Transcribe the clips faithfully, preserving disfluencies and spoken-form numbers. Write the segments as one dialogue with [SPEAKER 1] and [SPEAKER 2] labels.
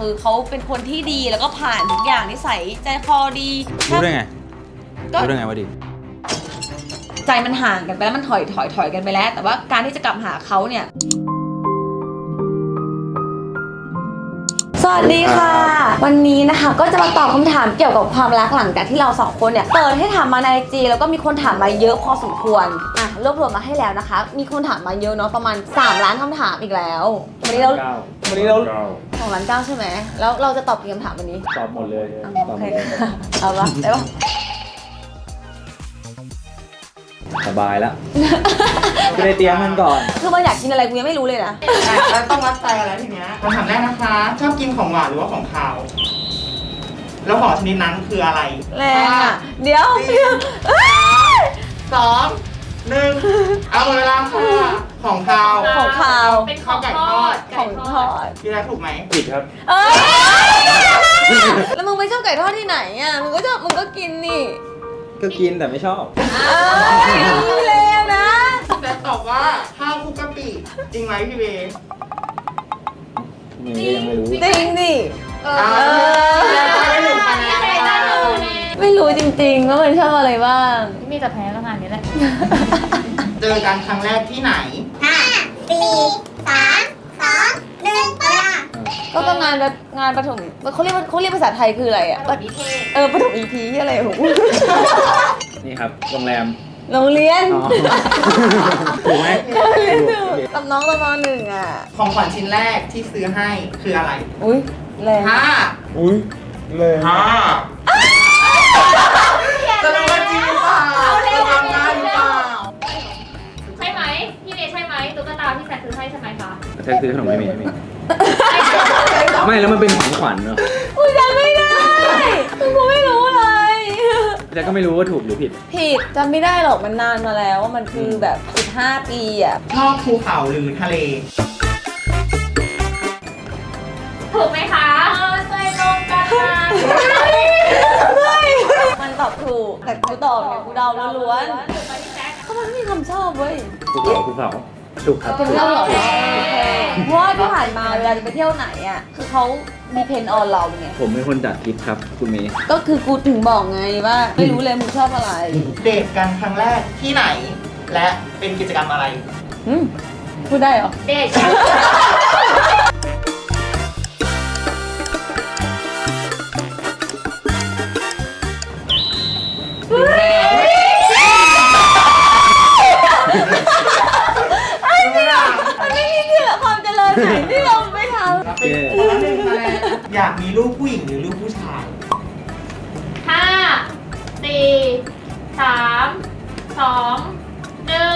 [SPEAKER 1] คือเขาเป็นคนที่ดีแล้วก็ผ่านทุกอย่างนิสัยใจคอดี
[SPEAKER 2] รู้ได้ไง
[SPEAKER 1] ก็
[SPEAKER 2] รู้ได้ไงว่าดี
[SPEAKER 1] ใจมันห่างกันไปแล้วมันถอยถอยถอยกันไปแล้วแต่ว่าการที่จะกลับหาเขาเนี่ยสวัสดีค่ะวันนี้นะคะก็จะมาตอบคำถามเกี่ยวกับความรักหลังจากที่เราสองคนเนี่ยเปิดให้ถามมาในไอจีแล้วก็มีคนถามมาเยอะพอสมควรอ่ะรวบรวมมาให้แล้วนะคะมีคนถามมาเยอะเนาะประมาณสามล้านคำถามอีกแล้ววันนี้เรา
[SPEAKER 2] วันนี้เรา
[SPEAKER 1] สองล้านเก้าใช่ไหมแล้วเราจะตอบกี่คำถามวันนี้
[SPEAKER 2] ตอบหมดเลย
[SPEAKER 1] โอเคเอาละได้ปะ
[SPEAKER 2] สบายแล้วจะได้เตรียมมันก่อน
[SPEAKER 1] คือมันอยากกินอะไรกูยังไม่รู้เลยนะ
[SPEAKER 3] แล้วต้องวัดใจกันแล้วทีเนี้ยคำถามแรกนะคะชอบกินของหวานหรือว่าของคาวแล้วของชนิดนั้นคืออะไร
[SPEAKER 1] แรงอ่ะเดี๋ยว
[SPEAKER 3] สองหนึ่งเอาหมดเวลาค่ะของคาว
[SPEAKER 1] ของคาว
[SPEAKER 4] เป็นของไก่ทอด
[SPEAKER 1] ของทอด
[SPEAKER 3] พี่แรกถูกไหม
[SPEAKER 2] ผิดครับ
[SPEAKER 1] เอ้ยแล้วมึงไม่ชอบไก่ทอดที่ไหนอ่ะมึงก็ชอบมึงก็กินนี่
[SPEAKER 2] ก็กินแต่ไม่ชอบ
[SPEAKER 1] เอ้ยเลวนะ
[SPEAKER 3] แต่ตอบว่าข้าวคลุกกะปิจริงไหมพี่เบย์
[SPEAKER 2] มึงก็ยังไม่รู้
[SPEAKER 1] จริงดิ
[SPEAKER 3] เออไม่รู้คะแนน
[SPEAKER 1] ไม่รู้จริงๆว่ามันชอบอะไรบ้าง
[SPEAKER 4] มีแต่แพ้ก็งานนี้แหละ
[SPEAKER 3] เจอกันครั้งแรกที่ไหน
[SPEAKER 5] ห้าสี่สามสองหนึ่งเวลา
[SPEAKER 1] ก็ต้องงานแบบงานประถมเขาเรียกว่าเขาเรียกภาษาไทยคืออะไรอ่ะ
[SPEAKER 4] ประถมนิเทศ
[SPEAKER 1] เออประถมอีพีอะไรของ
[SPEAKER 2] นี่ครับโรงแรม
[SPEAKER 1] โรงเรียน
[SPEAKER 2] ถูกไหม
[SPEAKER 1] กับน้องตอนม.หนึ่งอ่ะ
[SPEAKER 3] ของขวัญชิ้นแรกที่ซื้อให้คืออะไร
[SPEAKER 1] อุ้ยแรง
[SPEAKER 3] ห้า
[SPEAKER 2] อุ้ยแรง
[SPEAKER 3] ห้าจะรู้ว่าจริงหรือเปล่าจะทำได้หรือเปล่า
[SPEAKER 4] ใช่ไหมพี่เมย์ใช่ไหมตุ๊กตาพี่แซคซื้อให้ใช่ไหมคะ
[SPEAKER 2] แซคซื้อขนมไม่มีไม่มีไม่แล้วมันเป็นของขวัญเนอะ
[SPEAKER 1] กูจำไม่ได้กูไม่รู้เลย
[SPEAKER 2] แต่ก็ไม่รู้ว่าถูกหรือผิด
[SPEAKER 1] ผิดจำไม่ได้หรอกมันนานมาแล้วมันคือแบบสิบห้าปีอ่ะ
[SPEAKER 3] ชอบภูเขาหรือทะเล
[SPEAKER 4] ถูกไหมคะใจตรงกันนะ
[SPEAKER 1] ไม่มันตอบถูกแต่กูตอบเนี่ยกูเดาล้วนๆเพราะมันไม่มีคำชอบเว้ย
[SPEAKER 2] ภูเขาภูเขาถูกครับ
[SPEAKER 1] เป็นเรื่องหรอเพราะว่าที่ผ่านมาเวลาจะไปเที่ยวไหนอ่ะคือเขามีเพนออนเราไง
[SPEAKER 2] ผมเป็นคนจัดทริปครับคุณเมย์
[SPEAKER 1] ก็คือกูถึงบอกไงว่าไม่รู้เลยมึงชอบอะไร
[SPEAKER 3] เดทกันครั้งแรกที่ไหนและเป็นกิจกรรมอะไร
[SPEAKER 1] อืมพูดได้เหรอ
[SPEAKER 4] เดทกัน
[SPEAKER 1] มันไม่มีที่ละความเจริญไหนที่เราไม่ท
[SPEAKER 3] ำเป็นคนละหนึ่งคะแนนอยากมีลูกผู้หญิงหรือลูกผู้ชาย
[SPEAKER 4] ห้าสี่สามสองหนึ่ง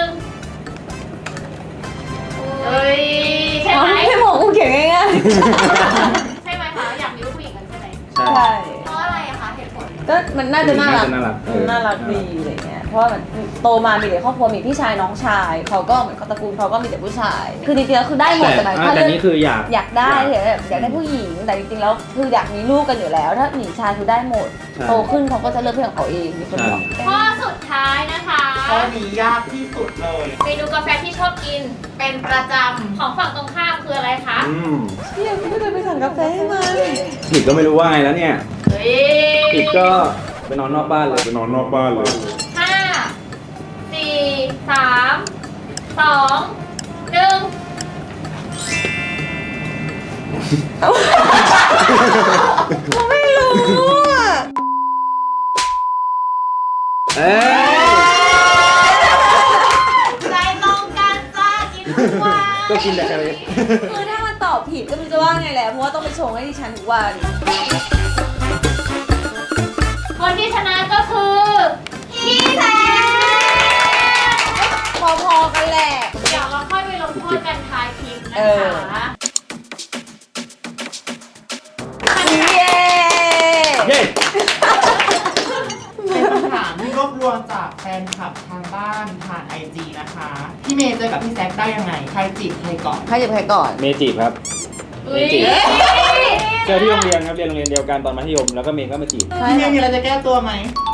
[SPEAKER 4] เฮ้ยใช่ไหม
[SPEAKER 1] ไม่บอกกูเขียนง่าย
[SPEAKER 4] ๆใช่ไหมคะอยากมีลูกผู้หญิงกันใช่ไหม
[SPEAKER 1] ใช่
[SPEAKER 4] เพราะอะไรอะคะเหตุผล
[SPEAKER 1] ก็มันน่าจะน่ารัก
[SPEAKER 2] น่ารัก
[SPEAKER 1] ดีอะไรเงี้ยเพราะว่ามันโตมามีแต่ครอบครัวมีพี่ชายน้องชายเขาก็เหมือนตระกูลเขาก็มีแต่ผู้ชายคือจริงๆแล้วคือได้หมดแต่
[SPEAKER 2] แต่นี่คืออยาก
[SPEAKER 1] อยากได้แบบอยากได้ผู้หญิงแต่จริงๆแล้วคืออยากมีลูกกันอยู่แล้วถ้าหญิงชายคือได้หมดโตขึ้นเขาก็จะเลือกเพื่อนของเขาเองมีคนบอก
[SPEAKER 4] ข้อสุดท้ายนะคะ
[SPEAKER 3] ข้อนี้ยากที่สุดเลย
[SPEAKER 4] เมนูกาแฟที่ชอบกินเป็นประจำของฝั่งตรงข้ามคืออะไรคะ
[SPEAKER 2] อืม
[SPEAKER 1] พี่ยังไม่เคยไปสั่งกาแฟให้มัน
[SPEAKER 2] ผิดก็ไม่รู้ว่าไงแล้วเนี่ยผิดก็ไปนอนนอกบ้านเลย
[SPEAKER 6] ไปนอนนอกบ้านเลย
[SPEAKER 4] ห้าสี่สามสองหนึ่ง
[SPEAKER 1] ผมไม่รู้อ่ะ
[SPEAKER 2] เอ้
[SPEAKER 4] ใจตรงกันจ้ากินทุกวัน
[SPEAKER 2] ก็กินแต่อะไร
[SPEAKER 1] คือถ้ามันตอบผิดก็ไม่รู้จะว่าไงแหละเพราะว่าต้องไปชงให้ดิฉันทุกวัน
[SPEAKER 4] คนที่ชนะก็คือพี่แซค
[SPEAKER 1] พอๆกันแหละ
[SPEAKER 4] เดี๋ยวเราค่อยไปลงโทษกันท้ายคลิปนะคะ
[SPEAKER 1] เย้
[SPEAKER 2] เย้
[SPEAKER 3] เป็นคำถามที่รวบรวมจากแฟนคลับทางบ้านผ่านไอจีนะคะพี่เมย์เจอกับพี่แซคได้ยังไงใครจีบใครก่อน
[SPEAKER 1] ใครจีบใครก่อน
[SPEAKER 2] เมย์จีบครับ
[SPEAKER 4] เมย์จีบ
[SPEAKER 2] เจอที่โรงเรียนครับเรียนโรงเรียนเดียวกันตอนมัธยมแล้วก็เมย์ก็มาจีบ
[SPEAKER 3] พี่เมย์มีอะไรจะแก้ตัวไหม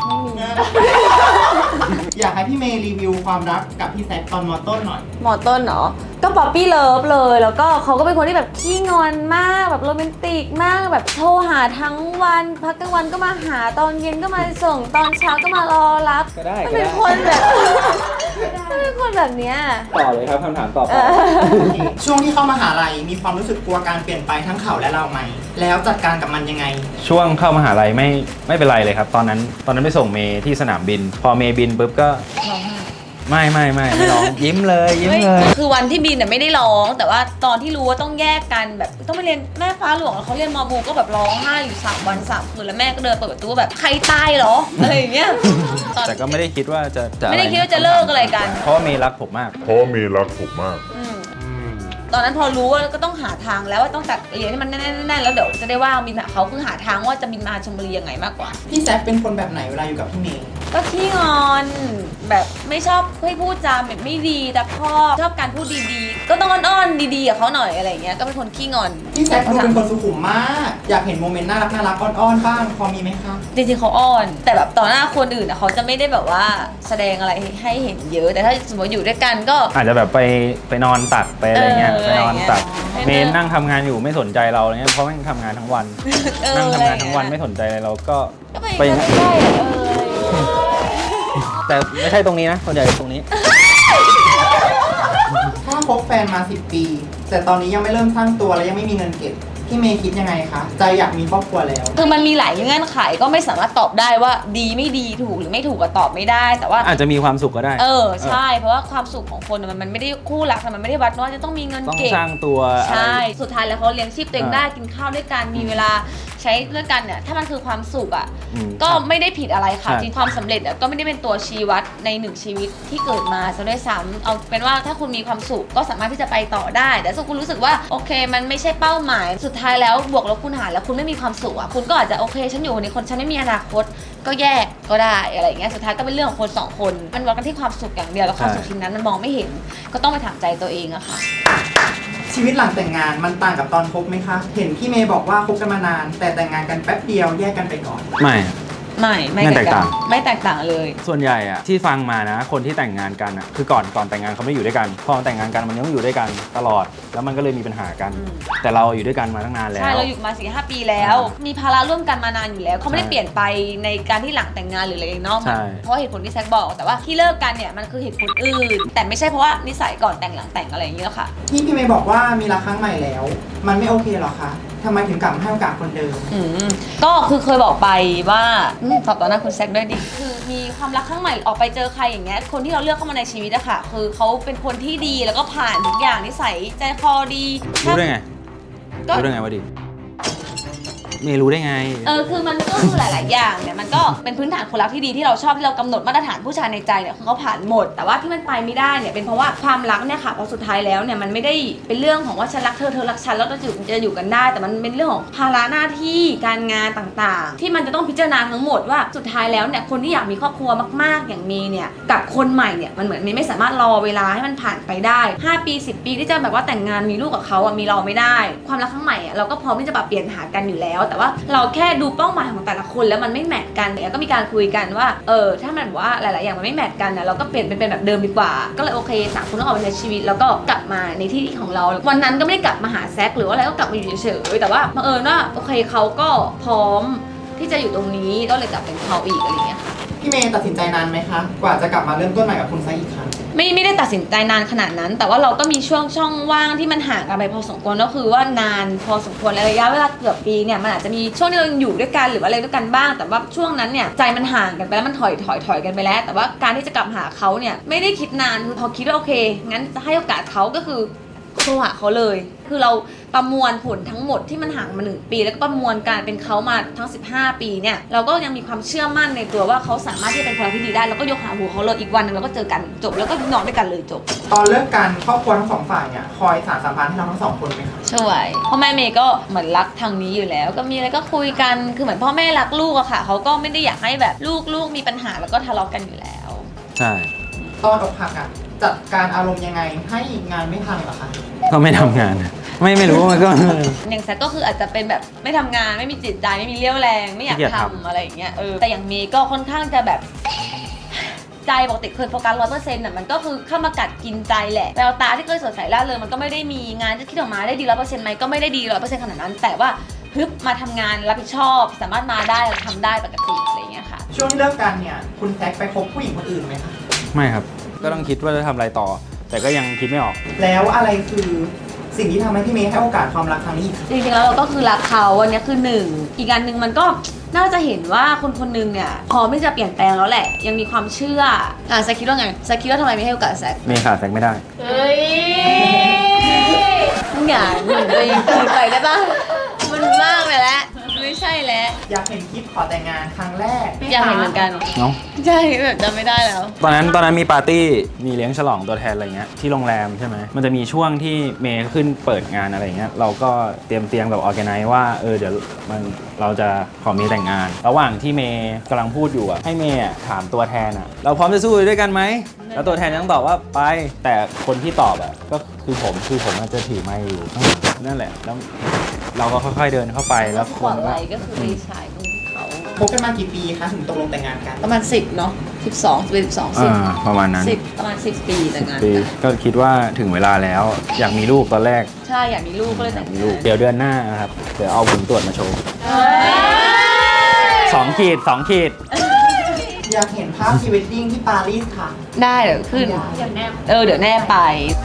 [SPEAKER 3] อยากให้พี่เมย์รีวิวความรักกับพี่แซคตอนมอต้นหน่อย
[SPEAKER 1] หมอต้นเนาะก็ป๊อปปี้เลิฟเลยแล้วก็เขาก็เป็นคนที่แบบขี้งอนมากแบบโรแมนติกมากแบบโทรหาทั้งวันพักกลางวันก็มาหาตอนเย็นก็มาส่งตอนเช้าก็มารอรับ
[SPEAKER 2] ก็ได้
[SPEAKER 1] มัน
[SPEAKER 2] ก็
[SPEAKER 1] เป็น
[SPEAKER 2] ได้
[SPEAKER 1] คนแบบมันเป็นคนแบบเนี้ย
[SPEAKER 2] ต่อเลยครับคำถามต่อไป
[SPEAKER 3] ช่วงที่เข้ามหาลัยมีความรู้สึกกลัวการเปลี่ยนไปทั้งเขาและเราไหมแล้วจัดการกับมันยังไง
[SPEAKER 2] ช่วงเข้ามหาลัยไม่ไม่เป็นไรเลยครับ ตอนนั้นตอนนั้นไปส่งเมย์ที่สนามบิน พอเมย์บินปุ๊บก็ไม่ไม่ไม่ไม่ร้อง ยิ้มเลยยิ้มเลย
[SPEAKER 1] คือวันที่บินน่ะไม่ได้ร้อง แต่ว่าตอนที่รู้ว่าต้องแยกกันแบบต้องไปเรียนแม่ฟ้าหลวงเขาเรียนมอบูก็แบบร้องไห้อยู่สามวันสามคืนแล้วแม่ก็เดินเปิดประตูแบบใครตายเหรออะไรอย่างเงี้ย
[SPEAKER 2] แต่ก็ไม่ได้คิดว่าจะจะ
[SPEAKER 1] ไม่ได้คิดว่าจะเลิกอะไรกัน
[SPEAKER 2] เพราะว่าเมย์รักผมมาก
[SPEAKER 6] เพราะว่ามีรักผมมาก
[SPEAKER 1] อืมตอนนั้นพอรู้ว่าก็ต้องหาทางแล้วว่าต้องจัดเรียนให้มันแน่นๆแล้วเดี๋ยวจะได้ว่าบินหาเขาคือหาทางว่าจะบินมาชลบุรียังไงมากกว่า
[SPEAKER 3] พี่แซคเป็นคนแบบไหนเวลาอยู่กับพี่เมย์
[SPEAKER 1] ก็ขี้งอนแบบไม่ชอบให้พูดจาแบบไม่ดีแต่พ่อชอบการพูดดีๆ ก็ต้องอ้อนๆดีๆกับเขาหน่อยอะไรอย่างเงี้ยก็เป็นคนขี้งอน
[SPEAKER 3] พี่แซคดูเป็นคนสุขุมมาก อยากเห็นโมเมนต์น่ารักน่ารักอ้อนๆบ้างพอมีไหมคะ
[SPEAKER 1] จริงๆเขาอ้อน แต่แบบต่อหน้าคนอื่นอะเขาจะไม่ได้แบบว่าแสดงอะไรให้เห็นเยอะ แต่ถ้าสมมติอยู่ด้วยกันก็
[SPEAKER 2] อาจจะแบบไปไปนอนตักไปอะไรเงี้ย
[SPEAKER 1] เออ
[SPEAKER 2] ไปนอนตัก
[SPEAKER 1] อะไรเงี้ย
[SPEAKER 2] เมย์นั่งทำงานอยู่ไม่สนใจเราอะไรเงี้ยเพราะแม่งทำงานทั้งวัน
[SPEAKER 1] เออ
[SPEAKER 2] นั่งทำงานทั้งวัน
[SPEAKER 1] อะไรเงี้ย
[SPEAKER 2] ไม่สนใจอะไรเราก็
[SPEAKER 1] ก็ไป
[SPEAKER 2] ไปอย่าง
[SPEAKER 1] ใก
[SPEAKER 2] นั้น
[SPEAKER 1] ล้ๆเอออะไรอย่างเงี้ย
[SPEAKER 2] แต่ไม่ใช่ตรงนี้นะส่วนใหญ่ตรงนี้
[SPEAKER 3] ถ้าคบแฟนมาสิบปี แต่ตอนนี้ยังไม่เริ่มสร้างตัวและยังไม่มีเงินเก็บพี่เมย์คิดยังไงคะใจอยากมีครอบครัวแล้ว
[SPEAKER 1] คือมันมีหลายเงื่อนไขก็ไม่สามารถตอบได้ว่าดีไม่ดีถูกหรือไม่ถูกก็ตอบไม่ได้ แต่ว่า
[SPEAKER 2] อาจจะมีความสุขก็ได้
[SPEAKER 1] เออใช่เพราะว่าความสุขของคนมันมันไม่ได้คู่รักมันไม่ได้วัดว่าจะต้องมีเงิน
[SPEAKER 2] ต้อง
[SPEAKER 1] เก็บ
[SPEAKER 2] สร้างตัว
[SPEAKER 1] ใช่
[SPEAKER 2] อะไร
[SPEAKER 1] สุดท้ายแล้วเขาเลี้ยงชีพตัวเอง
[SPEAKER 2] อ่า
[SPEAKER 1] ได้กินข้าวด้วยกันมีเวลาใช้ด้วยกันเนี่ยถ้ามันคือความสุขอ่ะ
[SPEAKER 2] อืม
[SPEAKER 1] ก็ไม่ได้ผิดอะไรค่ะ
[SPEAKER 2] ใช่
[SPEAKER 1] จริงความสำเร็จอะก็ไม่ได้เป็นตัวชี้วัดในหนึ่งชีวิตที่เกิดมาซะด้วยซ้ำเอาเป็นว่าถ้าคุณมีความสุขก็สามารถที่จะไปต่อได้ แต่ถ้าคุณรู้สึกว่าโอเค มันไม่ใช่เป้าหมาย สุดท้ายแล้วบวกลบคูณหารแล้วคุณไม่มีความสุขอะคุณก็อาจจะโอเคฉันอยู่ในคนฉันไม่มีอนาคตก็แยกก็ได้อะไรอย่างเงี้ยสุดท้ายก็เป็นเรื่องของคนสองคนมันวัดกันที่ความสุขอย่างเดียวแล้วความสุขชิ้นนั้นมันมองไม่เห็นก็ต้องไปถามใจตัวเองอะค่ะ
[SPEAKER 3] ชีวิตหลังแต่งงานมันต่างกับตอนคบไหมคะ เห็นพี่เมย์บอกว่าคบกันมานาน แต่แต่งงานกันแป๊บเดียวแยกกันไปก่อน
[SPEAKER 2] ไม่
[SPEAKER 1] ไม่ไม่
[SPEAKER 2] ไม่แตกต่าง
[SPEAKER 1] ไม่แตกต่างเลย
[SPEAKER 2] ส่วนใหญ่อะที่ฟังมานะคนที่แต่งงานกันอะคือก่อนก่อนแต่งงานเขาไม่อยู่ด้วยกันพอแต่งงานกันมันยังอยู่ด้วยกันตลอด แล้วมันก็เลยมีปัญหากัน
[SPEAKER 1] อืม
[SPEAKER 2] แต่เราอยู่ด้วยกันมาตั้งนานแล้ว
[SPEAKER 1] ใช่เราอยู่มาสี่ห้าปีแล้ว มีภาระร่วมกันมานานอยู่แล้วเขาไม่ได้
[SPEAKER 2] ใช่
[SPEAKER 1] เปลี่ยนไปในการที่หลังแต่งงานหรืออะไรนอก
[SPEAKER 2] ใช่
[SPEAKER 1] เพราะเหตุผลที่แซคบอกแต่ว่าที่เลิกกันเนี่ยมันคือเหตุผลอื่น แต่ไม่ใช่เพราะว่านิสัยก่อนแต่งหลังแต่งอะไรอย่างเงี้ยค่ะ
[SPEAKER 3] ที่พี่เมย์บอกว่ามีรักครั้งใหม่แล้ว มันไม่โอเคหรอคะทำไมถึงกลับมาให้โอกาสคนเดิม
[SPEAKER 1] อืมก็คือเคยบอกไปว่าอืมตอบต่อหน้าคุณแซคด้วยดิคือมีความรักครั้งใหม่ออกไปเจอใครอย่างเงี้ยคนที่เราเลือกเข้ามาในชีวิตอะค่ะคือเขาเป็นคนที่ดีแล้วก็ผ่านทุกอย่างนิสัยใจคอดี
[SPEAKER 2] รู้ได้ไง
[SPEAKER 1] ก็
[SPEAKER 2] รู้ได้ไงวะดิเมย์รู้ได้ไง
[SPEAKER 1] เออคือมันก็คือหลาย ๆ อย่างเนี่ยมันก็เป็นพื้นฐานคนรักที่ดีที่เราชอบที่เรากำหนดมาตรฐานผู้ชายในใจเนี่ยคือเขาผ่านหมด แต่ว่าที่มันไปไม่ได้เนี่ยเป็นเพราะว่าความรักเนี่ยค่ะพอสุดท้ายแล้วเนี่ยมันไม่ได้เป็นเรื่องของว่าฉันรักเธอเธอรักฉันแล้วเราจะอยู่จะอยู่กันได้ แต่มันเป็นเรื่องของภาระหน้าที่การงานต่าง ๆ ที่มันจะต้องพิจารณาทั้งหมดว่าสุดท้ายแล้วเนี่ยคนที่อยากมีครอบครัวมาก ๆ อย่างเมย์เนี่ยกับคนใหม่เนี่ยมันเหมือนเมย์ไม่สามารถรอเวลาให้มันผ่านไปได้ห้าปีสิบปีที่จะแบบว่าแต่งงานมีลูกกับเขาอ่ะมีรอไม่ได้ความรักครั้งใหม่อ่ะเราก็พร้อมที่จะปรับเปลี่ยนหากันอยู่แล้ว แต่ว่าเราแค่ดูเป้าหมายของแต่ละคนแล้วมันไม่แมทกันเนี่ยก็มีการคุยกันว่าเออถ้ามันแบบว่าหลาย ๆ อย่างมันไม่แมทกันนะเราก็เปลี่ยนเป็นเป็นแบบเดิมดีกว่าก็เลยโอเคต่างคนต้องออกไปใช้ชีวิตแล้วก็กลับมาในที่ของเราวันนั้นก็ไม่ได้กลับมาหาแซคหรือว่าอะไรก็กลับมาอยู่เฉยๆแต่ว่าบังเอิญว่าโอเคเขาก็พร้อมที่จะอยู่ตรงนี้ก็เลยกลับเป็นเขาอีกอะไรอย่างเงี้ยค่ะ
[SPEAKER 3] พี่เมย์ตัดสินใจนานไหมคะ กว่าจะกลับมาเริ่มต้นใหม่กับคุณไซอีกครั้ง
[SPEAKER 1] ไม่ไม่ได้ตัดสินใจนานขนาดนั้น แต่ว่าเราก็มีช่วงช่องว่างที่มันห่างกันไปพอสมควรก็คือว่านานพอสมควรระยะเวลาเกือบปีเนี่ยมันอาจจะมีช่วงที่เรายังอยู่ด้วยกันหรือว่าอะไรด้วยกันบ้าง แต่ว่าช่วงนั้นเนี่ยใจมันห่างกันไปแล้วมันถอยถอยถอยกันไปแล้ว แต่ว่าการที่จะกลับหาเขาเนี่ยไม่ได้คิดนานคือพอคิดว่าโอเคงั้นจะให้โอกาสเขาก็คือโทรหาเขาเลย คือเราประมวลผลทั้งหมดที่มันห่างมาหนึ่งปีแล้วก็ประมวลการเป็นเขามาทั้งสิบห้าปีเนี่ยเราก็ยังมีความเชื่อมั่นในตัวว่าเขาสามารถที่จะเป็นคนที่ดีได้แล้วก็ยกหาหูเขาเลยอีกวันหนึงเราก็เจอกันจบแล้วก็นอนด้วยกันเลยจบ
[SPEAKER 3] ตอนเลิกกันครอบครัวทั้งสองฝ่ายเนี่ยคอยสานสัมพันธ์ให้เราทั้งสองคนไหมคะ
[SPEAKER 1] ช่วยพ่อแม่เมย์ก็เหมือนรักทางนี้อยู่แล้ว ก็มีอะไรก็คุยกันคือเหมือนพ่อแม่รักลูกอะค่ะเขาก็ไม่ได้อยากให้แบบลูกลูกมีปัญหาแล้วก็ทะเลาะกันอยู่แล้ว
[SPEAKER 2] ใช่
[SPEAKER 3] ตอนอกหักอ่ะจัดการอารมณ์ยังไงให้งานไม่พังเหรอคะ
[SPEAKER 2] ก็ไม่ทำงานไม่ไม่รู้มันก็
[SPEAKER 1] อย่างแซกก็คืออาจจะเป็นแบบไม่ทำงานไม่มีจิตใจไม่มีเรี่ยวแรงไม่อยาก
[SPEAKER 2] ขี้เกียจ
[SPEAKER 1] ทำ
[SPEAKER 2] ทำ
[SPEAKER 1] อะไรอย่างเงี้ยเออแต่อย่างเมย์ก็ค่อนข้างจะแบบใจปกติเคยโฟกัสร้อยเปอร์เซ็นต์อ่ะมันก็คือเข้ามากัดกินใจแหละแววตาที่เคยสดใสร่าเริงมันก็ไม่ได้มีงานที่คิดออกมาได้ดีร้อยเปอร์เซ็นต์ไหมก็ไม่ได้ดีร้อยเปอร์เซ็นต์ขนาดนั้น แต่ว่าฮึบมาทำงานรับผิดชอบสามารถมาได้ทำได้ปกติอะไรอย่างเงี้ยค่ะ
[SPEAKER 3] ช่วงที่เลิกกันเนี่ยคุณแซคไปคบผู้หญิงคนอื่นไหมคะ
[SPEAKER 2] ไม่ครับ ก็ต้องคิดว่าจะทำอะไรต่อ แต่ก็ยังคิดไม่ออก
[SPEAKER 3] แล้วอะไรคือสิ่งที่ทำให้พี่เมย์ให้โอกาสความรักครั้งนี้อีกคะ
[SPEAKER 1] จริงๆแล้วเราก็คือรักเขาวันนี้คือหนึ่งอีกอันหนึ่งมันก็น่าจะเห็นว่าคนคนหนึงเนี่ยพร้อมที่จะเปลี่ยนแปลงแล้วแหละยังมีความเชื่ออ่ะแซคคิดว่าไงแซคคิดว่าทำไมไม่ให้โอกาสแซค
[SPEAKER 2] เมย์ขาดแซกไม่ได้
[SPEAKER 4] เฮ้ย
[SPEAKER 1] มึงอย่าหนุนตัวเองเกินไปได้ปะมันมากไปแล้วไม่ใช่แล้ว
[SPEAKER 3] อยากเห็นคลิปขอแต่งงานครั้งแรก
[SPEAKER 1] อยากเห็นเหมือนกัน
[SPEAKER 2] เนาะ
[SPEAKER 1] ใช่แบบจำไม่ได้แล้ว
[SPEAKER 2] ตอนนั้นตอนนั้นมีปาร์ตี้ มีเลี้ยงฉลองตัวแทนอะไรเงี้ยที่โรงแรมใช่ไหม มันจะมีช่วงที่เมย์ขึ้นเปิดงานอะไรเงี้ย เราก็เตรียมเตียงแบบออแกไนซ์ว่าเออเดี๋ยวมันเราจะขอเมย์แต่งงาน ระหว่างที่เมย์กำลังพูดอยู่อ่ะให้เมย์อะถามตัวแทนอ่ะเราพร้อมจะสู้ด้วยกันไหม แล้วตัวแทนยังตอบว่าไป แต่คนที่ตอบอ่ะก็คือผมคือผมอาจจะถือไมค์อยู่ข้างหลังนั่นแหละ แล้วเราก็ค่อยๆเดินเข้าไปแล้ว
[SPEAKER 1] ส
[SPEAKER 2] ค
[SPEAKER 1] ปอร์
[SPEAKER 2] น
[SPEAKER 1] ต
[SPEAKER 2] ก็
[SPEAKER 1] ไลท์ก็คือไปฉายตรงที่เขา
[SPEAKER 3] คบกันมากี่ปีคะถึงตกลงแต่งงานกัน
[SPEAKER 1] ประมาณสิบเนาะสิบสองสิบสองสิบ
[SPEAKER 2] อ่าประมาณนั้น
[SPEAKER 1] สิบประมาณสิบปีแต่งงาน
[SPEAKER 2] ปี
[SPEAKER 1] กัน
[SPEAKER 2] ก็คิดว่าถึงเวลาแล้ว อยากมีลูกตอนแรก
[SPEAKER 1] ใช่อยากมีลูกก็เลย
[SPEAKER 2] อยา
[SPEAKER 1] แต่
[SPEAKER 2] ก
[SPEAKER 1] ง
[SPEAKER 2] มี
[SPEAKER 1] งา
[SPEAKER 2] ลูก
[SPEAKER 1] น
[SPEAKER 2] เดี๋ยวเดือนหน้านะครับ เดี๋ยวเอาผลตรวจมาโชว์
[SPEAKER 1] เฮ้ย
[SPEAKER 2] สองขีดสองขีด
[SPEAKER 3] อยากเห็นภาพพรีเวดดิ้งที่ปารีสค่ะ
[SPEAKER 1] ได้เดี๋ยวขึ้น
[SPEAKER 4] เดี๋ยวแนบ
[SPEAKER 1] เออเดี๋ยวแน่ไป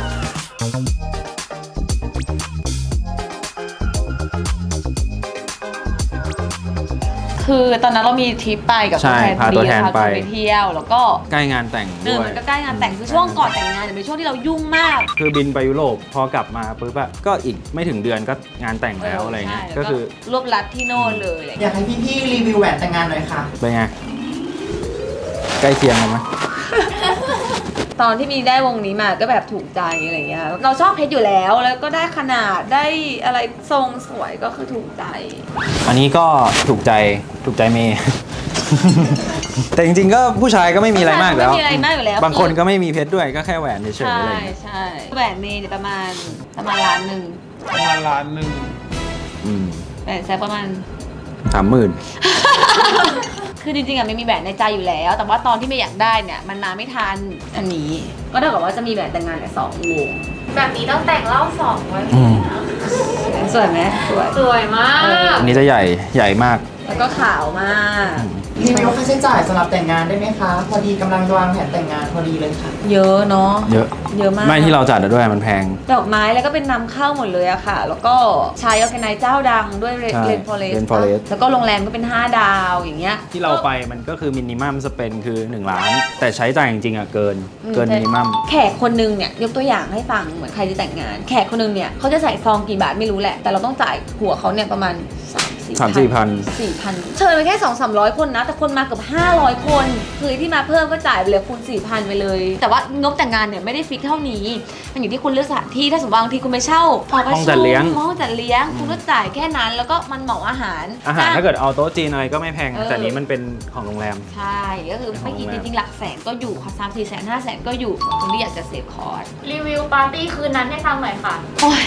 [SPEAKER 1] คือตอนนั้นเรามีทริปไปกับ
[SPEAKER 2] ใช่
[SPEAKER 1] ตัวแทน
[SPEAKER 2] พาตัวแทน
[SPEAKER 1] พา
[SPEAKER 2] ไป
[SPEAKER 1] คนไปเที่ยวแล้วก็
[SPEAKER 2] ใกล้งานแต่ง
[SPEAKER 1] เอ
[SPEAKER 2] ด้
[SPEAKER 1] อ
[SPEAKER 2] วย
[SPEAKER 1] มันก็ใกล้งานแต่งคือช่วงก่อนแต่งงานเนี่ยเป็นช่วงที่เรายุ่งมาก
[SPEAKER 2] คือบินไปยุโรปพอกลับมาปุ๊บอะก็อีกไม่ถึงเดือนก็งานแต่งแล้วอะไรเงี้ย
[SPEAKER 1] ใช่
[SPEAKER 2] ก็คือ
[SPEAKER 1] รวบรัดที่โน่นเลยอะไร
[SPEAKER 3] อ
[SPEAKER 1] เงี้ย
[SPEAKER 3] ยากให้พี่ๆรีวิวแหวนแต่งงานหน่อยค่ะ
[SPEAKER 2] เป็นไง ใกล้เคียงกันไหม
[SPEAKER 1] ตอนที่มีได้วงนี้มาก็แบบถูกใจอะไรเงี้ยเราชอบเพชรอยู่แล้วแล้วก็ได้ขนาดได้อะไรทรงสวยก็คือถูกใจ
[SPEAKER 2] อันนี้ก็ถูกใจถูกใจเมย์ แต่จริงๆก็ผู้ชายก็ไม่มีอะไรมากแล้ว
[SPEAKER 1] ไม่มีอะไรมากอยู่แล้ว
[SPEAKER 2] บางคนก็ไม่มีเพชรด้วยก็แค่แหวนเฉยๆ
[SPEAKER 1] ใช่
[SPEAKER 2] อะไรเงี้ย
[SPEAKER 1] ใช่แหวนเมย์เนี่ยประมาณประมาณล้านหนึ่ง
[SPEAKER 3] ประมาณล้านหนึ่ง
[SPEAKER 2] อืม
[SPEAKER 1] แหวนแซกประมาณ
[SPEAKER 2] สามหมื่น
[SPEAKER 1] คือจริงๆอะไม่มีแหวนในใจอยู่แล้ว แต่ว่าตอนที่ไม่อยากได้เนี่ยมันมาไม่ทันอันนี้ ก็เท่ากับว่าจะมีแหวนแต่งงานเนี่ยสองวง
[SPEAKER 4] แบบนี้ต้องแต่งเล่าสองไว้
[SPEAKER 2] อืม
[SPEAKER 1] สวยไหมสวย
[SPEAKER 4] สวยมาก
[SPEAKER 2] อันนี้จะใหญ่ใหญ่มาก
[SPEAKER 1] แล้วก็ขาวมาก
[SPEAKER 3] รีวิวค่าใช้จ่ายสำหรับแต่งงานได้ไหมคะ พอดีกำลังวางแผนแต่งงานพอดีเลยค่ะ
[SPEAKER 1] เยอะเนาะ
[SPEAKER 2] เยอะ
[SPEAKER 1] เยอะมาก
[SPEAKER 2] ไม่ที่เราจัดอะด้วยมันแพง
[SPEAKER 1] ดอกไม้แล้วก็เป็นนำเข้าหมดเลยอะค่ะ แล้วก็ใช้ออร์แกไนซ์เจ้าดังด้วยเร
[SPEAKER 2] ใช่
[SPEAKER 1] นฟอเรส
[SPEAKER 2] Rain Forest
[SPEAKER 1] แล้วก็โรงแรมก็เป็นห้าดาวอย่างเงี้ย
[SPEAKER 2] ที่เราไปมันก็คือมินิมัมสเปนคือหนึ่งล้าน แต่ใช้จ่ายจริงๆอ่ะเกิน
[SPEAKER 1] อืม
[SPEAKER 2] เกินมินิมัม
[SPEAKER 1] แขกคนนึงเนี่ยยกตัวอย่างให้ฟังเหมือนใครจะแต่งงาน แขกคนนึงเนี่ยเขาจะใส่ซองกี่บาทไม่รู้แหละ แต่เราต้องจ่ายหัวเขาเนี่ยประมาณสามสี่
[SPEAKER 2] สามสี่พัน
[SPEAKER 1] สี่พันเชิญไปแค่สองสามร้อยคนนะ แต่คนมาเกือบห้าร้อยคนคือที่มาเพิ่มก็จ่ายไปเลยคูณสี่พันไปเลย แต่ว่างบแต่งงานเนี่ยไม่ได้ฟิกเท่านี้มันอยู่ที่คุณเลือกสถานที่ถ้าสมมติบางทีคุณไปเช่าหอประ
[SPEAKER 2] ห้อง
[SPEAKER 1] ชุ
[SPEAKER 2] จัด
[SPEAKER 1] ม
[SPEAKER 2] เลี้ยง
[SPEAKER 1] ห้องจัดเลี้ยงคุณก็จ่ายแค่นั้นแล้วก็มันเหมาอาหาร
[SPEAKER 2] อาหารถ้าเกิดเอาโต๊ะจีนอะไรก็ไม่แพง
[SPEAKER 1] เออ
[SPEAKER 2] แต่นี้มันเป็นของโรงแรม
[SPEAKER 1] ใช่ก็คือไม่กี่จริงๆหลักแสนก็อยู่ค่ะสามสี่แสนห้าแสนก็อยู่ของคนที่อยากจะเซฟคอร์ส
[SPEAKER 4] รีวิวปาร์ตี้คืนนั้นให้ฟังหน่อยค่ะ
[SPEAKER 1] โอ้ย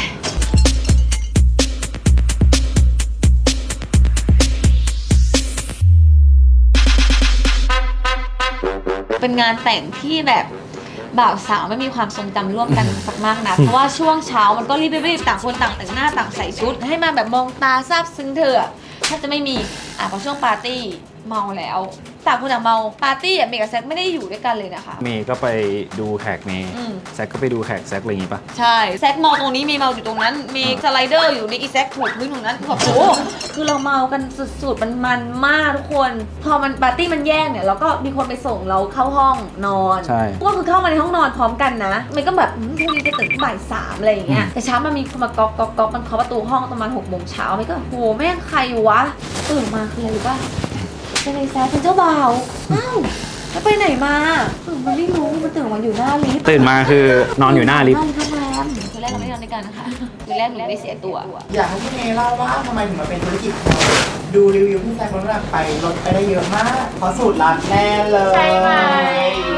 [SPEAKER 1] เป็นงานแต่งที่แบบบ่าวสาวไม่มีความทรงจำร่วมกัน สักมากนะ เพราะว่าช่วงเช้ามันก็รีบๆต่างคนต่างแต่งหน้าต่างใส่ชุด ให้มาแบบมองตาซาบซึ้งเธอะถ้าจะไม่มีอ่ะพอช่วงปาร์ตี้เมาแล้วต่างคนต่างเมาปาร์ตี้อ่ะเมย์กับแซคไม่ได้อยู่ด้วยกันเลยนะคะ
[SPEAKER 2] เมย์ก็ไปดูแขกเมย์
[SPEAKER 1] อืม
[SPEAKER 2] แซคก็ไปดูแขกแซคอะไรอย่างงี้ปะ
[SPEAKER 1] ใช่แซกเมาตรงนี้มีเมาอยู่ตรงนั้น มีสไลเดอร์อยู่นี่อีแซกถูกพื้นตรงนั้นแบบโอ้โหคือเราเมากันสุดๆมันมันมากทุกคน พอมันปาร์ตี้มันแย่งเนี่ยเราก็มีคนไปส่งเราเข้าห้องนอน
[SPEAKER 2] ใช่
[SPEAKER 1] ก็คือเข้ามาในห้องนอนพร้อมกันนะมันก็แบบอืมพรุ่งนี้จะตื่นบ่ายสามอะไรอย่างเงี้ยแต่เช้ามันมีคนมาก๊อกก๊อกก๊อกมันเคาะประตูห้องประมาณหกโมงเช้ามันก็โหแม่งใครวะตื่นมาคืออะไรรู้ป่ะเป็นไอ้แซกเป็นเจ้าบ่าวอ้าวแล้วไปไหนมาเออมันไม่รู้มันตื่นมาอยู่หน้าลิฟต์
[SPEAKER 2] ตื่นมาคือนอนอยู่หน้าลิฟต์
[SPEAKER 1] นอนโรงแรมคือแรกเราไม่ได้นอนด้วยกันนะคะคือแรกหนูไม่เสียตัว
[SPEAKER 3] อยากให้พี่เมย์เล่าว่าทำไมถึงมาเป็นธุรกิจของเราดูรีวิวที่แซคลดน้ำหนักไปลดไปได้เยอะมากเพราะสูตรลับแน่เลย
[SPEAKER 4] ใช่ไหม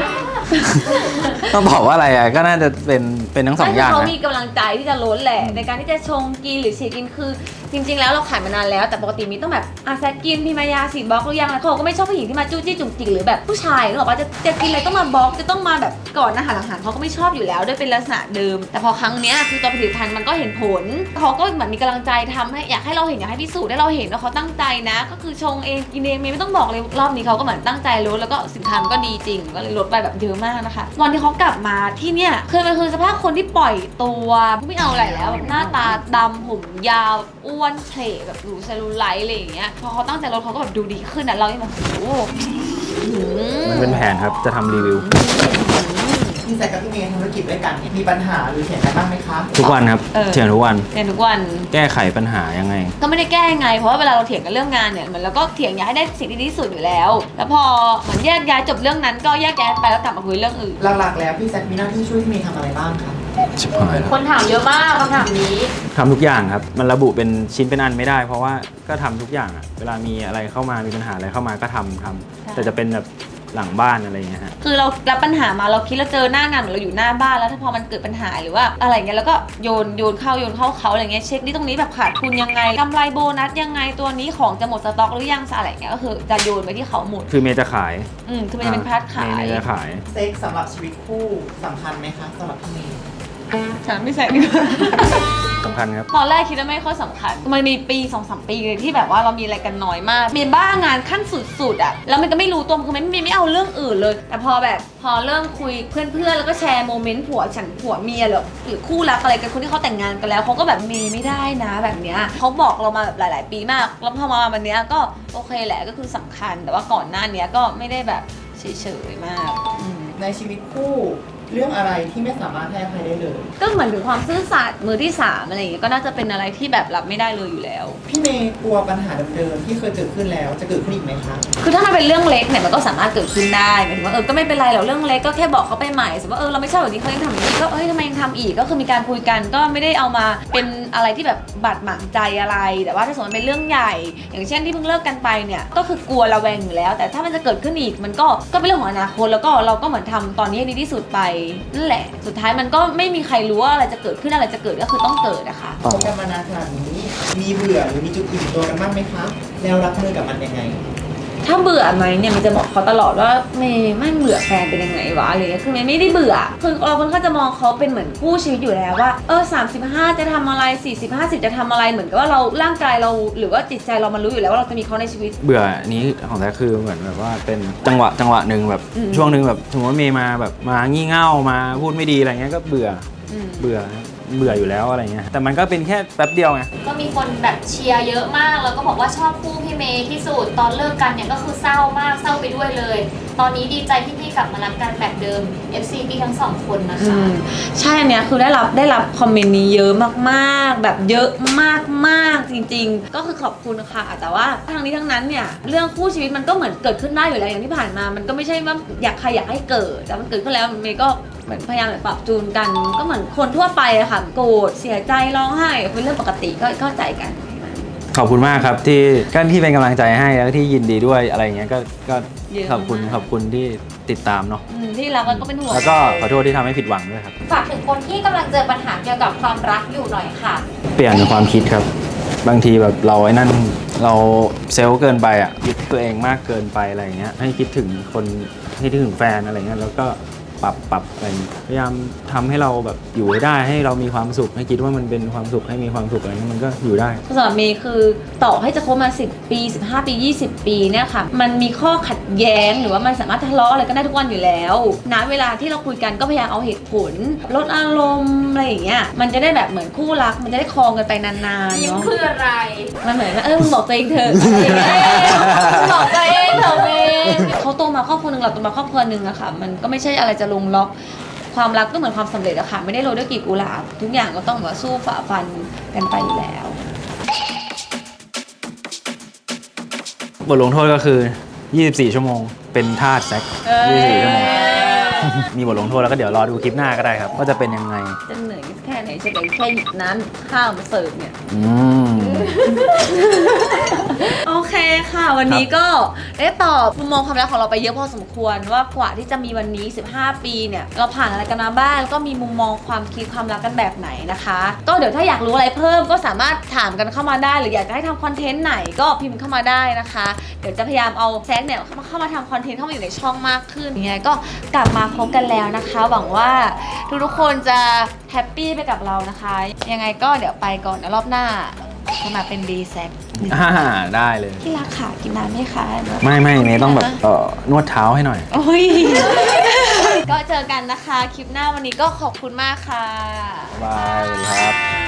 [SPEAKER 2] ต้องบอกว่าอะไรอ่ะก็น่าจะเป็นเป็นทั้งสองอย่าง
[SPEAKER 1] เขา
[SPEAKER 2] นะ
[SPEAKER 1] มีกำลังใจที่จะล้นแหละในการที่จะชงกินหรือฉีดกินคือจริง ๆ แล้วเราขายมานานแล้วแต่ปกติมีต้องแบบอาแซกกินพิมายาฉีดบล็อกหรือยังแล้วเขาก็ไม่ชอบผู้หญิงที่มาจู้จี้จุกจิกหรือแบบผู้ชายหรอกว่าจะจะกินอะไรต้องมาบล็อกจะต้องมาแบบก่อนอาหารหลังอาหารเขาก็ไม่ชอบอยู่แล้วด้วยเป็นลักษณะเดิมแต่พอครั้งเนี้ยคือตัวผลิตภัณฑ์มันก็เห็นผลเขาก็เหมือนมีกำลังใจทำให้อยากให้เราเห็นอยากให้พิสูจน์ให้เราเห็นว่าเขาตั้งใจนะก็คือชงเองกินเองไม่ต้องบอกเลยรอบนี้เขาก็เหมือนตั้งใจลดแล้วก็สินค้ามันก็ดีจริงก็เลยลดไปแบบเยอะมากนะคะวันที่เขากลับมาที่เนี่ยคือมันคือสภาพคนที่ปล่อยตัวไม่เอาอะไรแล้วแบบหน้าตาดำผมยาวอ้วนเพลแบบดูเซลลูไลท์อะไรอย่างเงี้ยพอเขาตั้งใจลดเขาก็แบบดูดีขึ้นนะเรายังแบบโอ้โห
[SPEAKER 2] มันเป็นแผนครับจะทำรีวิว
[SPEAKER 3] พี่แซคกับพี่เมย์ทำธุรกิจด้วยกันมีปัญหาหรือเถียงกันบ้างไหมคะ
[SPEAKER 2] ทุกวันครับ
[SPEAKER 1] เออ
[SPEAKER 2] เถียงทุกวัน
[SPEAKER 1] เรียนทุกวัน
[SPEAKER 2] แก้ไขปัญหายังไง
[SPEAKER 1] ก็ไม่ได้แก้ยังไงเพราะว่าเวลาเราเถียงกันเรื่องงานเนี่ยเหมือนเราก็เถียงอยากให้ได้สิ่งที่ดีที่สุดอยู่แล้ว แล้วพอเหมือนแยกย้ายจบเรื่องนั้นก็แยกย้ายไปแล้วกลับมาคุยเรื่องอื่น
[SPEAKER 3] หลักๆแล้วพี่แซคมีหน้าที่ช่วยพี่เมย์ทำอะไรบ้างคะ
[SPEAKER 2] ชิบหายแล้ว
[SPEAKER 4] คนถามเยอะมากคำถามนี้
[SPEAKER 2] ทำทุกอย่างครับ มันระบุเป็นชิ้นเป็นอันไม่ได้ เพราะว่าก็ทำทุกอย่างอะเวลามีอะไรเข้ามามีปัญหาอะไรเข้ามาก็ทำทำแต่จะเป็นแบบหลังบ้านอะไรอย่างเงี้ยฮะ
[SPEAKER 1] คือเรารับปัญหามาเราคิดเราเจอหน้างานเหมือนเราอยู่หน้าบ้านแล้วถ้าพอมันเกิดปัญหาหรือว่าอะไรเงี้ยแล้วก็โยนโยนเข้าโยนเข้าเขาอะไรเงี้ยเช็คนี่ตรงนี้แบบขาดทุนยังไงกำไรโบนัสยังไงตัวนี้ของจะหมดสต็อกหรือยังอะไรเงี้ยก็คือจะโยนไปที่เขาหมด
[SPEAKER 2] คือเมย์จะขาย
[SPEAKER 1] อืมคือมันจะเป็นพาร์ทขาย
[SPEAKER 2] เมย์จะขาย
[SPEAKER 3] เซ็กสำหรับชีวิตคู่สำคัญไหมคะสำหรับพี่เมย์
[SPEAKER 1] ฉันไม่ใส่ดีกว่า
[SPEAKER 2] สำคัญครับ
[SPEAKER 1] ตอนแรกคิดว่าไม่ค่อยสำคัญ มันมีปีสองสามปีเลยที่แบบว่าเรามีอะไรกันน้อยมาก มีบ้างานขั้นสุดๆอ่ะ แล้วมันก็ไม่รู้ตัวคือมันไม่ไม่เอาเรื่องอื่นเลย แต่พอแบบพอเริ่มคุยเพื่อนๆ แล้วก็แชร์โมเมนต์ผัวฉันผัวเมียหรือหรือคู่รักอะไรกันคนที่เขาแต่งงานกันแล้วเขาก็แบบมีไม่ได้นะแบบเนี้ยเขาบอกเรามาแบบหลายๆ ปีมาก แล้วพอมาวันเนี้ยก็โอเคแหละก็คือสำคัญ แต่ว่าก่อนหน้านี้ก็ไม่ได้แบบเฉยๆมากอืม
[SPEAKER 3] ในชีวิตคู่เรื่องอะไรที่ไม่สามารถให้อภัยได้เลย
[SPEAKER 1] ก็เหมือนถึงความซื่อสัตย์มือที่สามอะไรอย่างเงี้ยก็น่าจะเป็นอะไรที่แบบรับไม่ได้เลยอยู่แล้ว
[SPEAKER 3] พี่เมย์กลัวปัญหาเดิมๆที่เคยเกิดขึ้นแล้วจะเกิดขึ้นอีกไหมคะ
[SPEAKER 1] คือถ้ามันเป็นเรื่องเล็กเนี่ยมันก็สามารถเกิดขึ้นได้หมายถึงว่าเออก็ไม่เป็นไรหรอกเรื่องเล็กก็แค่บอกเขาไปใหม่สมมติว่าเออเราไม่ชอบแบบนี้เขายังทำอย่างนี้ก็เอ้ยทำไมยังทำอีกก็คือมีการคุยกันก็ไม่ได้เอามาเป็นอะไรที่แบบบาดหมางใจอะไรแต่ว่าถ้าสมมติเป็นเรื่องใหญ่ อย่างเช่นที่เพิ่งเลิกกันไปเนี่ยก็คือกลัวระแวงอยู่แล้ว แต่ถ้ามันจะเกิดขึ้นอีกมันก็ก็เป็นเรื่องของอนาคตแล้วก็เราก็เหมือนทำตอนนี้ให้ดีที่สุดไปนั่นแหละสุดท้ายมันก็ไม่มีใครรู้ว่าอะไรจะเกิดขึ้นอะไรจะเกิดก็คือต้องเกิดนะคะ
[SPEAKER 3] คบกันมานานขนาดนี้มีเบื่อหรือมีจุดอิ่มตัวกันบ้างไหมคะแล้วรับมือกับมันยังไง
[SPEAKER 1] ถ้าเบื่อไหมเนี่ยมันจะบอกเขาตลอดว่าไม่ไม่เบื่อแฟนเป็นยังไงวะอะไรเงี้ยคือมันไม่ได้เบื่อคือเราค่อนข้างจะมองเขาเป็นเหมือนคู่ชีวิตอยู่แล้วว่าเออสามสิบห้าจะทำอะไรสี่สิบห้าสิบจะทำอะไรเหมือนกับว่าเราร่างกายเราหรือว่าจิตใจเรามันรู้อยู่แล้วว่าเราจะมีเขาในชีวิต
[SPEAKER 2] เบื่อนี้ของแท้คือเหมือนแบบว่าเป็นจังหวะจังหวะหนึ่งแบบ
[SPEAKER 1] อืม
[SPEAKER 2] ช่วงหนึ่งแบบสมมติว่าเมย์มาแบบมางี่เง่ามาพูดไม่ดีอะไรเงี้ยก็เบื่อ
[SPEAKER 1] อืม
[SPEAKER 2] เบื่อเบื่ออยู่แล้วอะไรเงี้ยแต่มันก็เป็นแค่แป๊บเดียวไง
[SPEAKER 4] ก็มีคนแบบเชียร์เยอะมาก แล้วก็บอกว่าชอบคู่พี่เมย์ที่สุด ตอนเลิกกันเนี่ยก็คือเศร้ามาก เศร้าไปด้วยเลย ตอนนี้ดีใจที่พี่กลับมารักกันแบบเดิม เอฟ ซี พี่ทั้งสองคนนะ
[SPEAKER 1] อื
[SPEAKER 4] คะ
[SPEAKER 1] มใช่อันเนี้ยคือได้รับได้รับคอมเมนต์นี้เยอะมากๆ แบบเยอะมากๆจริงๆ ก็คือขอบคุณค่ะแต่ว่าทั้งนี้ทั้งนั้นเนี่ยเรื่องคู่ชีวิตมันก็เหมือนเกิดขึ้นได้อยู่แล้วอย่างที่ผ่านมา มันก็ไม่ใช่ว่าอยากใครอยากให้เกิดแต่มันเกิดขึ้นแล้วเมย์ก็เหมือนพยายามแบบปรับจูนกัน ก็เหมือนคนทั่วไปอะค่ะโกรธเสียใจร้องไห้เป็นเรื่องปกติก็เข้าใจกัน
[SPEAKER 2] ขอบคุณมากครับที่ก็ที่เป็นกำลังใจให้แล้วที่ยินดีด้วยอะไรเงี้ยก็ก็
[SPEAKER 1] เยอะ
[SPEAKER 2] ขอบคุณ
[SPEAKER 1] มาก
[SPEAKER 2] ขอบคุณที่ติดตามเนาะ
[SPEAKER 1] อืมที่รักแล้วก็เป็นห่วง
[SPEAKER 2] แล้วก็ขอโทษที่ทำให้ผิดหวังด้วยครับ
[SPEAKER 6] ฝากถึงคนที่กำลังเจอปัญหาเกี่ยวกับความรักอยู่หน่อยค่ะ
[SPEAKER 2] เปลี่ยนความคิดครับ บางทีแบบเราไอ้นั่นเราเซลล์เกินไปอ่ะยึดตัวเองมากเกินไปอะไรอย่างเงี้ยให้คิดถึงคนให้คิดถึงแฟนอะไรเงี้ยแล้วก็ปรับปรับอะไรอย่างเงี้ยพยายามทำให้เราแบบอยู่ให้ได้ให้เรามีความสุขให้คิดว่ามันเป็นความสุขให้มีความสุขอะไรเงี้ยมันก็อยู่ได้
[SPEAKER 1] สำหรับเมย์คือต่อให้จะคบมาสิบปีสิบห้าปียี่สิบปีเนี่ยค่ะมันมีข้อขัดแย้งหรือว่ามันสามารถทะเลาะอะไรกันได้ทุกวันอยู่แล้วณเวลาที่เราคุยกันก็พยายามเอาเหตุผลลดอารมณ์อะไรอย่างเงี้ยมันจะได้แบบเหมือนคู่รักมันจะได้ครองกันไปนานๆ
[SPEAKER 4] ยิ้ม
[SPEAKER 1] เนาะ
[SPEAKER 4] คืออะไร
[SPEAKER 1] มันเหมือนว่าเออมึงบอกตัวเองเถอะบอกตัวเองเถอะเมย์เขาโตมาครอบครัวหนึ่งเราโตมาครอบครัวหนึ่งอะค่ะมันก็ไม่ใช่อะไรจะลงล็อกความรักก็เหมือนความสำเร็จอะค่ะไม่ได้โรยด้วยกลีบกุหลาบทุกอย่างก็ต้องมาสู้ฝ่าฟันกันไปอยู่แล้ว
[SPEAKER 2] บทลงโทษก็คือ ยี่สิบสี่ ชั่วโมง เป็นทาสแซกยี่สิบสี่ ชั่วโมง มีบทลงโทษแล้วก็เดี๋ยวรอดูคลิปหน้าก็ได้ครับว่าจะเป็นยังไง
[SPEAKER 1] จะเหนื่อยแค่ไหนเฉยๆแค่หยิบน้ำข้าวมาเสิร์ฟเนี่ย
[SPEAKER 2] อืม
[SPEAKER 1] โอเคค่ะวันนี้ก็ได้ตอบมุมมองความรักของเราไปเยอะพอสมควรว่ากว่าที่จะมีวันนี้สิบห้าปีเนี่ยเราผ่านอะไรกันมาบ้างแล้วก็มีมุมมองความคิดความรักกันแบบไหนนะคะก็เดี๋ยวถ้าอยากรู้อะไรเพิ่มก็สามารถถามกันเข้ามาได้หรืออยากจะให้ทำคอนเทนต์ไหนก็พิมพ์เข้ามาได้นะคะเดี๋ยวจะพยายามเอาแซกเนี่ยเข้ามาเข้ามาทำคอนเทนต์เข้ามาอยู่ในช่องมากขึ้นยังไงก็กลับมาพบกันแล้วนะคะหวังว่าทุกๆคนจะแฮปปี้ไปกับเรานะคะยังไงก็เดี๋ยวไปก่อนนะรอบหน้าจะมาเป็นดีแซก
[SPEAKER 2] อ่าได้เลย
[SPEAKER 1] ที่รักขากินน้ำไหมคะ
[SPEAKER 2] ไม่ไม่เมย์ต้องแบบเออนวดเท้าให้หน่อย
[SPEAKER 1] โอ้ย ก็เจอกันนะคะ คลิปหน้าวันนี้ก็ขอบคุณมากค่ะ
[SPEAKER 2] บายสวัสดีครับ